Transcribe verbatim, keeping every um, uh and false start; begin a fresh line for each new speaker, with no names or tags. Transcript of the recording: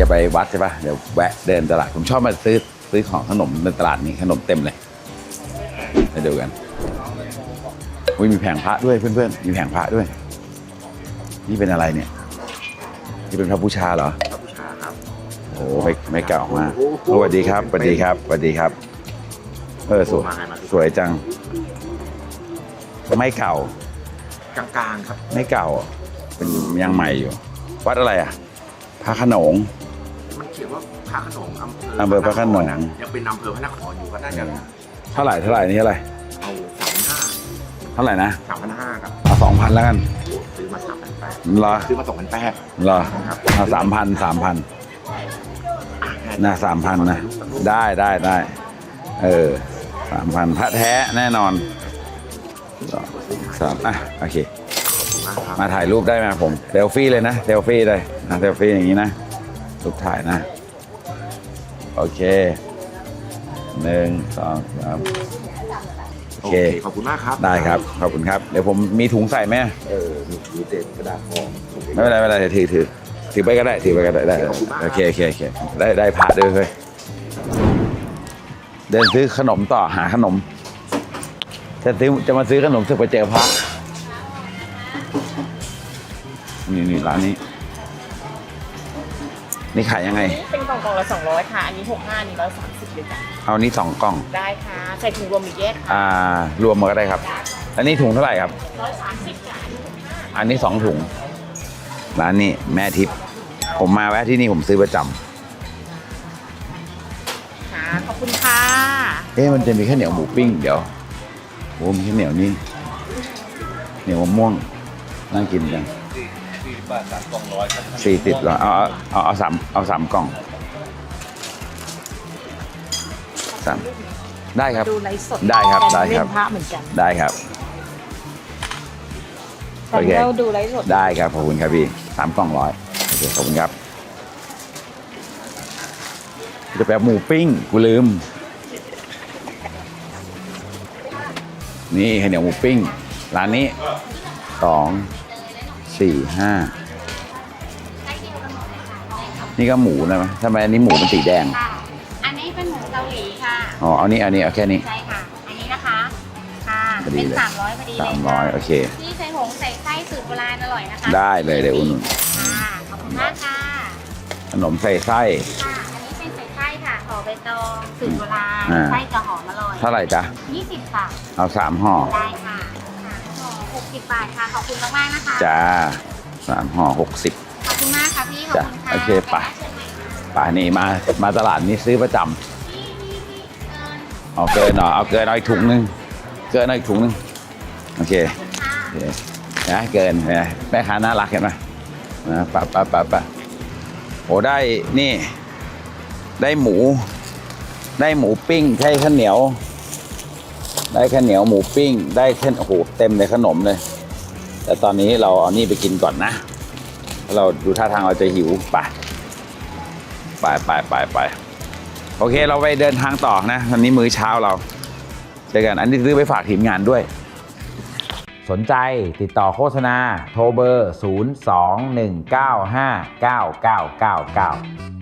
ไปวัดใช่ปะเดี๋ยวแวะเดินตลาดผมชอบมาซื้อซื้อของขนมในตลาดนี้ขนมเต็มเลยไปดูกันอุ้ยมีแผงพระด้วยเพื่อนๆมีแผงพระด้วยนี่เป็นอะไรเนี่ยนี่เป็นพระบูชาเหรอพระบูชาครับโอ้ไม่ไม่เก่ามากสวัสดีครับสวัสดีครับสวัสดีครับเออสวยสวยจังไม่เก่ากลางๆครับไม่เก่าเป็นยังใหม่อยู่วัดอะไรอ่ะพระโขนง
มันเขียนว่าพระโขนงอำเภอ
อำเภอพระโขนง
ยังเป็นอำเภอพระนครอยู่ก็น่าจะ
เท่าไหร่เท่าไหร่นี่เท่าไหร่
เอาสามพันห้า
เท่าไหร่นะ
สามพันห้าครับ
เอาสองพันแล้วกัน
ซื้อมาสามพันแปด
เหรอ
ซื้อมาสองพันแปด
เหรอเอาสามพันสามพันนะสามพันนะได้ได้ได้เออสามพันพระแท้แน่นอนสามอ่ะโอเคมาถ่ายรูปได้ไหมผมเซลฟี่เลยนะเซลฟี่เลยนะเซลฟี่อย่างนี้นะรูปถ่ายนะโอเคหนึ่งสองสามโอเค
ขอบคุณมากครับ
ได้ครับขอบคุณครับเดี๋ยวผมมีถุงใส่ไหม
เออมีเศษกระดาษทอง
ไม่เป็นไรไม่เป็นไรถือถือถือไปก็ได้ถือไปก็ได้ได้โอเคโอเคโอเคได้ได้พาด้วยเลยเดินซื้อขนมต่อหาขนมจะซื้อจะมาซื้อขนมสึกไปเจอพระนี่นี่ร้านนี้นี่ขายยังไง
เป็นกล่องกล่องละสองร้อยค่ะอันนี้หกห้านี่ร้อยสามสิบเลยจ้ะ
เอานี้สองกล่อง
ได้ค่ะใส่ถุงรวมอีกแยก
อ่ารวมมาก็ได้ครับอันนี้ถุงเท่าไหร่ครับ
ร้อยสามสิบจ้ะ
อันนี้สองถุงร้านนี้แม่ทิพย์ผมมาแวะที่นี่ผมซื้อประจ
ำค่ะขอบคุณค่ะ
เอ๊ะมันจะมีแค่เหนียวหมูปิ้งเดี๋ยวโอ้มีแค่เหนียวนี่เหนียวมะม่วงนั่งกินกันสี่สิบเหรอเอาเอาเอาสามเอาสามกล่องสามได้ครับ
ดูไลฟ์สด
ได้ครับได้ครับ
พระเหมือนกัน
ได้ครับ
โอเคเราดูไลฟ์สด
ได้ครับขอบคุณครับพี่สามกล่องร้อยโอเคขอบคุณครับจะแปลหมูปิ้งกูลืมนี่ข้าวเหนียวหมูปิ้งร้านนี้สองสี่ห้านี่ก็หมูนะมั้ยทำไมอันนี้หมูเป็นสีแดง
อันนี้เป็นหมูเกาหลีค่ะ
อ๋อเอานี้อันนี้เอาแค่นี้
ใช่ค่ะอันนี้นะคะค่ะเป็นสามร้อยพอดีเลย
สามร้อยโอเค
ที่ใส่หงใส่ไส้สูตรโบราณอร่อยนะคะ
ได้เลยเดี๋ยวอุ่น
ค่ะขอบคุณมากค่ะ
ขนมใส่ไส้
ค่ะอันนี้เป็นใส่ไส้ค่ะห่อใบตองสูตรโบราณไส้จะหอมอร่อย
เท่าไหร่จ๊ะ
ยี่สิบค่ะ
เอาสามห่อ
ได้ค่ะห่อหกสิบบาทค่ะขอบคุณมากๆนะคะ
จ้าสามห่อหกสิบ
ขอบคุณมากค่ะพี่ขอบคุณค่ะ
โอเคป่ะป่ะนี่มามาตลาดนี้ซื้อประจำเอาเกินหน่อยเอาเกินเอาอีกถุงนึงเกินเอาอีกถุงนึงโอเคนะเกินนะแม่ค้าน่ารักเห็นไหมนะปะปะปะปะโอ้ได้นี่ได้หมูได้หมูปิ้งใช้ข้าวเหนียวได้ข้าวเหนียวหมูปิ้งได้แค่โอ้โหเต็มเลยขนมเลยแต่ตอนนี้เราเอานี่ไปกินก่อนนะเราดูท่าทางเราจะหิวไปไปไปไปไปโอเคเราไปเดินทางต่อนะวันนี้มื้อเช้าเราเจอกันอันนี้ซื้อไปฝากทีมงานด้วยสนใจติดต่อโฆษณาโทรเบอร์ศูนย์ สอง หนึ่ง เก้า ห้า เก้า เก้า เก้า เก้า